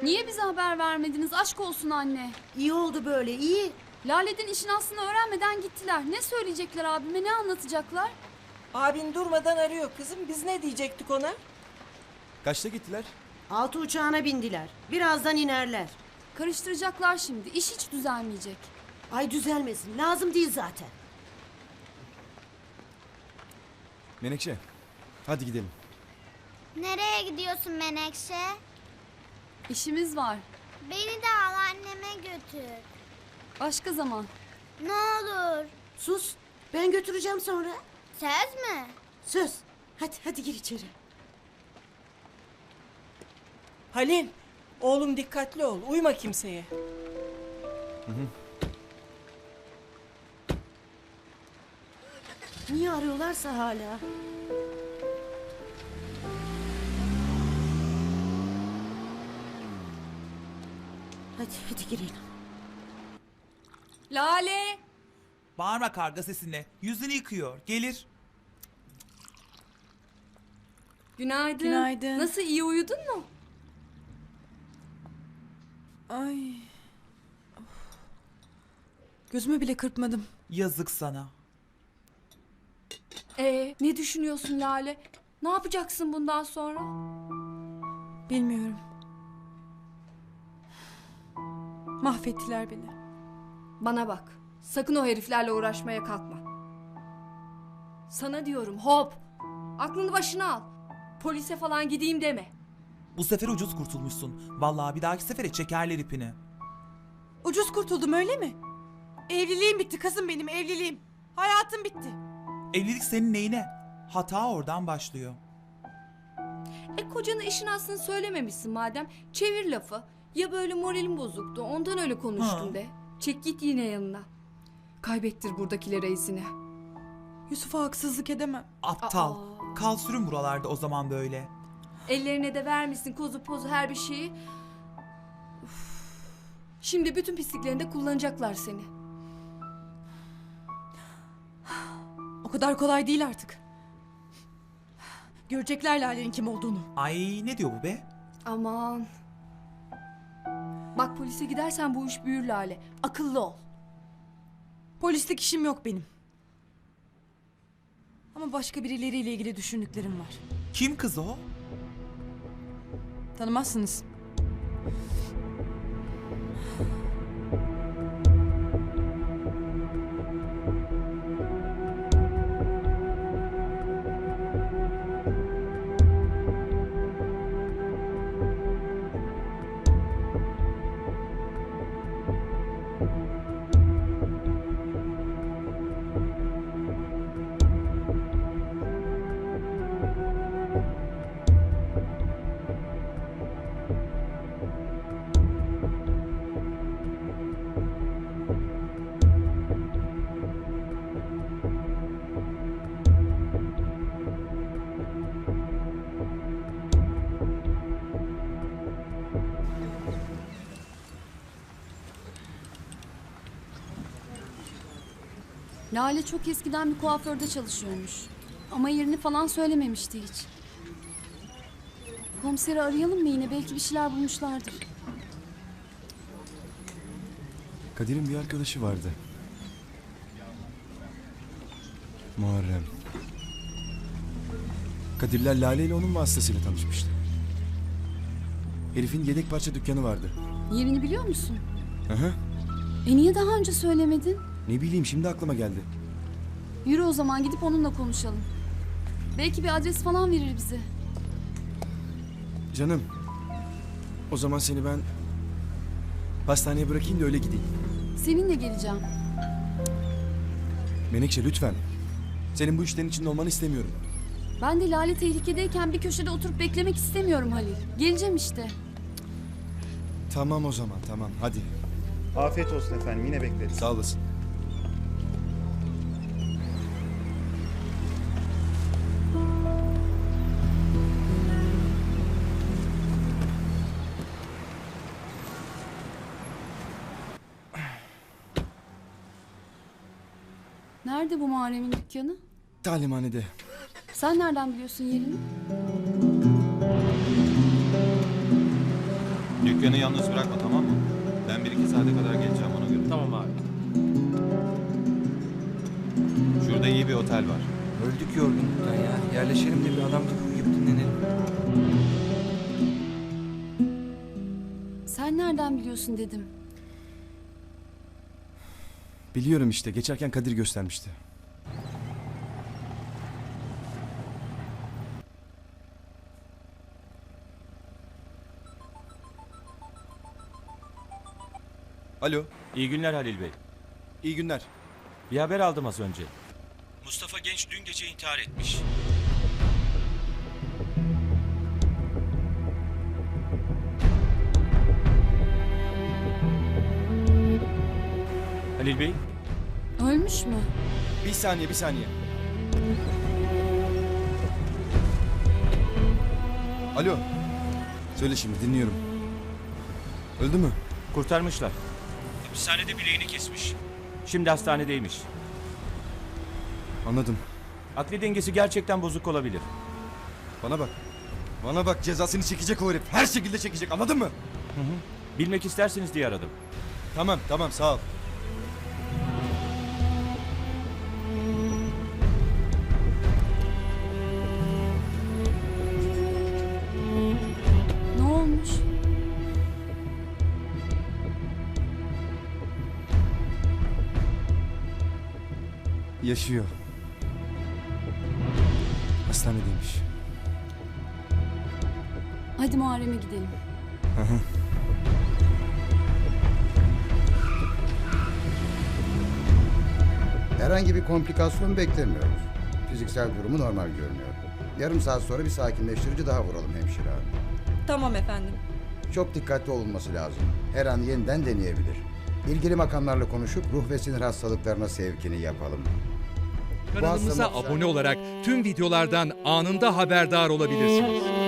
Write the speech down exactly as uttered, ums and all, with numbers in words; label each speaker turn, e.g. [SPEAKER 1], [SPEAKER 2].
[SPEAKER 1] Niye bize haber vermediniz? Aşk olsun anne.
[SPEAKER 2] İyi oldu böyle, iyi.
[SPEAKER 1] Lale'den işin aslını öğrenmeden gittiler. Ne söyleyecekler abime, ne anlatacaklar?
[SPEAKER 3] Abin durmadan arıyor kızım. Biz ne diyecektik ona?
[SPEAKER 4] Kaçta gittiler?
[SPEAKER 2] Altı uçağına bindiler. Birazdan inerler.
[SPEAKER 1] Karıştıracaklar şimdi. İş hiç düzelmeyecek.
[SPEAKER 2] Ay düzelmesin, lazım değil zaten.
[SPEAKER 4] Menekşe, hadi gidelim.
[SPEAKER 5] Nereye gidiyorsun Menekşe?
[SPEAKER 1] İşimiz var.
[SPEAKER 5] Beni de al anneme götür.
[SPEAKER 1] Başka zaman.
[SPEAKER 5] Ne olur.
[SPEAKER 2] Sus, ben götüreceğim sonra.
[SPEAKER 5] Söz mü?
[SPEAKER 2] Söz. Hadi, hadi gir içeri.
[SPEAKER 3] Halil, oğlum dikkatli ol. Uyma kimseye.
[SPEAKER 2] Niye arıyorlarsa hala? Hadi, hadi girelim.
[SPEAKER 1] Lale!
[SPEAKER 6] Bağırma karga sesine. Yüzünü yıkıyor. Gelir.
[SPEAKER 1] Günaydın.
[SPEAKER 7] Günaydın.
[SPEAKER 1] Nasıl, iyi uyudun mu?
[SPEAKER 7] Ay. Of. Gözümü bile kırpmadım.
[SPEAKER 6] Yazık sana.
[SPEAKER 1] Ee, ne düşünüyorsun Lale? Ne yapacaksın bundan sonra?
[SPEAKER 7] Bilmiyorum. Mahvettiler beni.
[SPEAKER 1] Bana bak. Sakın o heriflerle uğraşmaya kalkma. Sana diyorum, hop. Aklını başına al. Polise falan gideyim deme.
[SPEAKER 6] Bu sefer ucuz kurtulmuşsun. Vallahi bir dahaki sefere çekerler ipini.
[SPEAKER 7] Ucuz kurtuldum öyle mi? Evliliğim bitti kızım benim evliliğim. Hayatım bitti.
[SPEAKER 6] Evlilik senin neyine? Hata oradan başlıyor.
[SPEAKER 1] E kocana işin aslını söylememişsin madem. Çevir lafı. Ya böyle moralim bozuktu, ondan öyle konuştum
[SPEAKER 6] Ha.
[SPEAKER 1] de. Çek git yine yanına. Kaybettir buradakilere reisini.
[SPEAKER 7] Yusuf'a haksızlık edemem.
[SPEAKER 6] Aptal.
[SPEAKER 1] Aa.
[SPEAKER 6] Kal sürün buralarda o zaman böyle.
[SPEAKER 1] Ellerine de vermişsin kozu pozu her bir şeyi. Uf. Şimdi bütün pisliklerinde kullanacaklar seni.
[SPEAKER 7] O kadar kolay değil artık. Görecekler Lale'nin kim olduğunu.
[SPEAKER 6] Ay ne diyor bu be?
[SPEAKER 1] Aman. Bak polise gidersen bu iş büyür Lale. Akıllı ol.
[SPEAKER 7] Polislik işim yok benim. Ama başka birileriyle ilgili düşündüklerim var.
[SPEAKER 6] Kim kız o?
[SPEAKER 7] Tanımazsınız.
[SPEAKER 1] Lale çok eskiden bir kuaförde çalışıyormuş. Ama yerini falan söylememişti hiç. Komiseri arayalım mı yine? Belki bir şeyler bulmuşlardır.
[SPEAKER 4] Kadir'in bir arkadaşı vardı. Muharrem. Kadirler Lale ile onun vasıtasıyla tanışmıştı. Herifin yedek parça dükkanı vardı.
[SPEAKER 1] Yerini biliyor musun?
[SPEAKER 4] Aha.
[SPEAKER 1] E niye daha önce söylemedin?
[SPEAKER 4] Ne bileyim şimdi aklıma geldi.
[SPEAKER 1] Yürü o zaman gidip onunla konuşalım. Belki bir adres falan verir bize.
[SPEAKER 4] Canım. O zaman seni ben pastaneye bırakayım da öyle gideyim.
[SPEAKER 1] Seninle geleceğim.
[SPEAKER 4] Menekşe lütfen. Senin bu işlerin içinde olmanı istemiyorum.
[SPEAKER 1] Ben de Lale tehlikedeyken bir köşede oturup beklemek istemiyorum Halil. Geleceğim işte.
[SPEAKER 4] Tamam o zaman tamam hadi.
[SPEAKER 8] Afiyet olsun efendim, yine bekleriz.
[SPEAKER 4] Sağ olasın.
[SPEAKER 1] Nerede bu Muharrem'in dükkanı?
[SPEAKER 4] Talimhanede.
[SPEAKER 1] Sen nereden biliyorsun yerini?
[SPEAKER 9] Dükkanı yalnız bırakma, tamam mı? Ben bir iki saate kadar geleceğim, ona göre.
[SPEAKER 10] Tamam abi.
[SPEAKER 9] Şurada iyi bir otel var.
[SPEAKER 4] Öldük yorgunluktan ya. Yerleşelim de bir adam gibi dinlenelim.
[SPEAKER 1] Sen nereden biliyorsun dedim.
[SPEAKER 4] Biliyorum işte. Geçerken Kadir göstermişti. Alo.
[SPEAKER 10] İyi günler Halil Bey.
[SPEAKER 4] İyi günler.
[SPEAKER 10] Bir haber aldım az önce.
[SPEAKER 4] Mustafa Genç dün gece intihar etmiş.
[SPEAKER 10] Halil Bey,
[SPEAKER 1] Ölmüş mü?
[SPEAKER 4] Bir saniye, bir saniye. Alo. Söyle şimdi, dinliyorum. Öldü mü?
[SPEAKER 10] kurtarmışlar. Hapishanede bileğini kesmiş. Şimdi hastanedeymiş.
[SPEAKER 4] Anladım.
[SPEAKER 10] Akli dengesi gerçekten bozuk olabilir.
[SPEAKER 4] Bana bak. Bana bak, cezasını çekecek o herif. Her şekilde çekecek, anladın mı?
[SPEAKER 10] Bilmek isterseniz diye aradım.
[SPEAKER 4] Tamam, tamam, sağ ol.
[SPEAKER 1] Ne olmuş?
[SPEAKER 4] Yaşıyor. Hastanedeymiş.
[SPEAKER 1] Hadi Muharrem'e gidelim.
[SPEAKER 11] Herhangi bir komplikasyon beklemiyoruz. Fiziksel durumu normal görünüyor. Yarım saat sonra bir sakinleştirici daha vuralım hemşire hanım.
[SPEAKER 7] Tamam efendim.
[SPEAKER 11] Çok dikkatli olunması lazım. Her an yeniden deneyebilir. İlgili makamlarla konuşup ruh ve sinir hastalıklarına sevkini yapalım.
[SPEAKER 12] Kanalımıza abone olarak tüm videolardan anında haberdar olabilirsiniz.